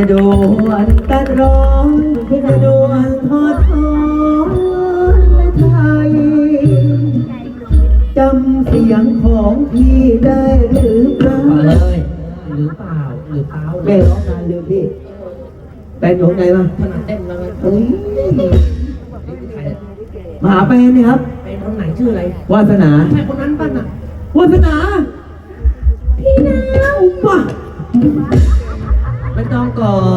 ดวนตัดร้องจะดวนทอดทอนและไทยจำเสียงของพี่ได้หรือเปล่าเลยหรือเปล่าหรือเปล่าแม่ร้องนานลืมพี่แฟนอยู่ข้างในป่ะขนาดเต้นแล้วมันเฮ้ยใครมาหาแฟนนี่ครับเป็นคนไหนชื่ออะไรวาสนาใช่คนนั้นป่ะน่ะวาสนาพี่นาวป่ะไม่ต้องก่อน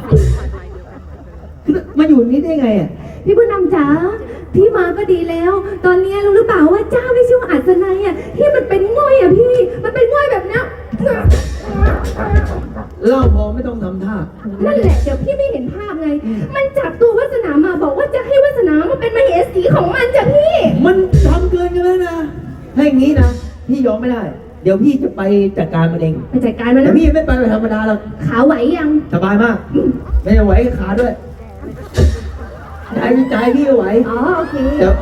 มาอยู่นี่ได้ไงอ่ะพี่บุญนำจ๋าพี่มาก็ดีแล้ว ตอนนี้รู้หรือเปล่าว่าเจ้าที่ชื่อว่าอัศนัยอ่ะที่มันเป็นง่อยอ่ะพี่มันเป็นง่อยแบบเนี้ยเล่าพอไม่ต้องทำท่านั่นแหละเดี๋ยวพี่ไม่เห็นภาพไง มันจับตัววาสนามาบอกว่าจะให้วาสนามาเป็นมเหสีของมันจ้ะพี่มันทำเกินกันแล้วนะถ้าอย่างนี้นะพี่ยอมไม่ได้ เดี๋ยวพี่จะไปจัดการมันเองไปจัดการมันแต่นะพี่ไม่ไปแบบธรรมดาหรอกขาไหวยังสบายมาก ไม่ได้ไหวกับขาด้วยใจพี่ไหวอ๋อโอเคเดี๋ยว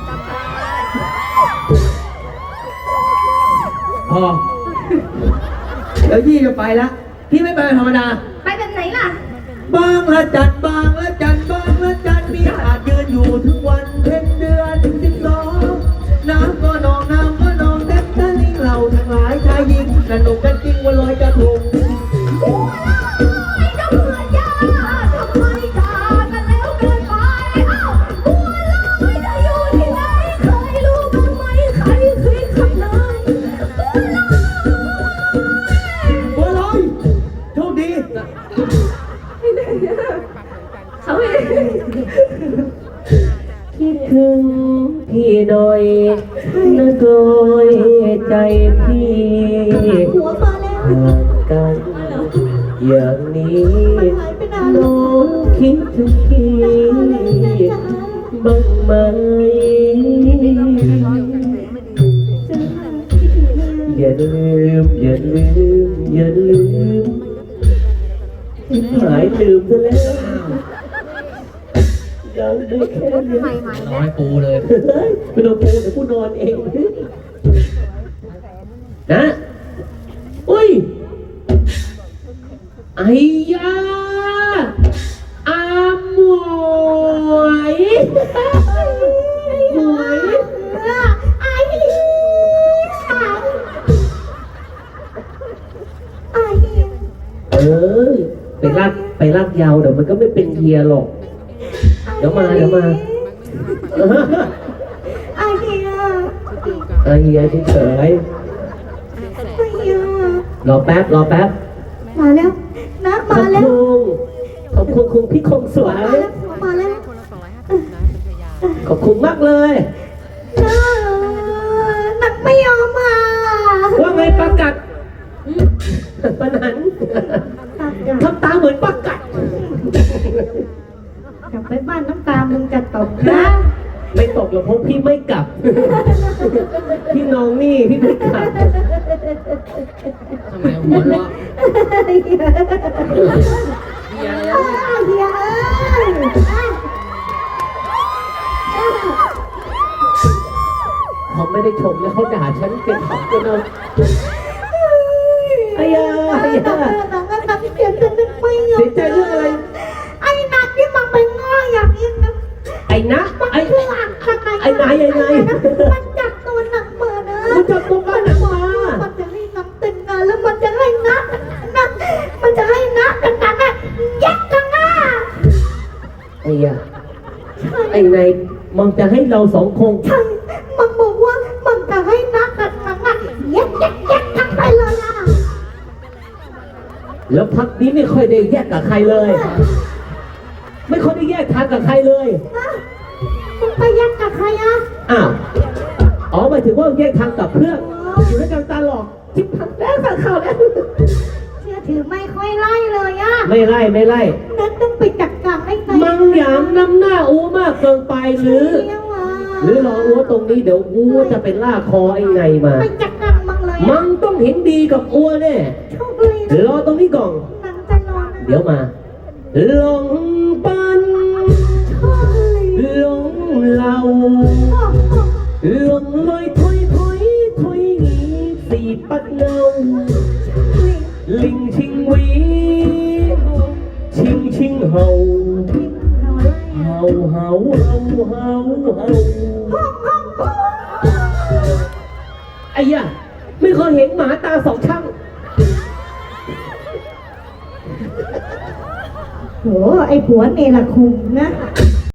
พอเดี๋ยวพี่จะไปละพี่ไม่ไปแบบธรรมดาไปแบบไหนล่ะบางละจันบางละจันบางละจันมีอาจยืนอยู่ถึงวันเพ็ญเดือน12น้ำก็นองน้ำก็นองแดกตะลิงเราทั้งหลายชายหญิงสนุกกันจริงวันลอยกระทงไอ้เจ้าเพื่อนยาทำไมจากกันแล้วเกินไปอ้าวบัวลอยจะอยู่ที่ไหนเคยรู้บ้างไหมใครคิดขับเลยบัวลอยบัวลอยโชคดีเขาเองคิดถึงพี่หน่อยนะโดยใจพี่หัวมาแล้วห่างกันอย่างนี้น้องคิดถึงพี่บ้างไหมอย่าลืมอย่าลืมอย่าลืมหายลืมซะแล้วยังได้แค่นี้น้อยปูเลยไม่ต้องปูเดี๋ยวกูนอนเองนะอุ้ยไอ้ยาอาหมวยหมวยไอ้เออไปลากยาวเดี๋ยวมันก็ไม่เป็นเฮียหรอกเดี๋ยวมาไอ้เหี้ยไอ้เฮียเฉยไอ้เหี้ยๆรอแป๊บมาแล้วนะมาแล้วขอบคุณคุณพี่คงสวยมาแล้วขอบคุณมากเลยนักไม่ยอมมาว่าไงปากัดปานันทำตาเหมือนปากัดกลับไปบ้านน้ำตามึงจะตกนะไม่ตกหรอกเพราะพี่ไม่กลับ พี่น้องนี่พี่ไม่กลับทำไมหัวเราะเฮียเขาไม่ได้ชมแล้วเขาด่าฉันเป็นของกันเอาไอ้ยาน้องก็ทำเสียงจะนึกไม่ยอเสีมยใจเรื่องอะไรไอ้นักที่มันไปง้ออย่างนี้นะไอ้นะไอ้นายยังไงมันจับตัวหนักมานะมันจับตัวกันหนักมามันจะให้นักแต่งงานแล้วมันจะให้นักมันจะให้นักแต่งงานนะแยกกันนะไอ้ยาไอ้นายมันจะให้เราสองคงใช่มันบอกว่ามันจะให้นักแต่งงานนะแยกกันไปเลยอ่ะแล้วพักนี้ไม่ค่อยได้แยกกับใครเลย ไม่ค่อยได้แยกทางกับใครเลยมึงไปแยกกับใครอ่ะอ้าว อ๋อหมายถึงว่าแยกทางกับเพื่อนอยู่ด้วยกันตลอดทิพย์พันแล้วสั่งข่าวแล้วเชื่อถือไม่ค่อยไล่เลยอ่ะไม่ไล่นั่นต้องไปจัดการให้ไงมังหยามนำหน้าอูมากเกินไปหรือ หรือรออูตรงนี้เดี๋ยวอูจะเป็นล่าคอไอ้ไงมาไปจัดการมังเลยมังต้องเห็นดีกับอัวแน่โชคดีนะรอตรงนี้ก่อนนังจะนอนเดี๋ยวมาหลงปันโชคดีหลงเหล่าหลงลอยถอยงี้สีปัดเงาลิงชิงหวีชิงชิงเห่าเห่าเห่าเห่าเห่าเห่าไอ้ย่าไม่เคยเห็นหมาตาสองช่างโหไอ้ผัวเนรคุณนะ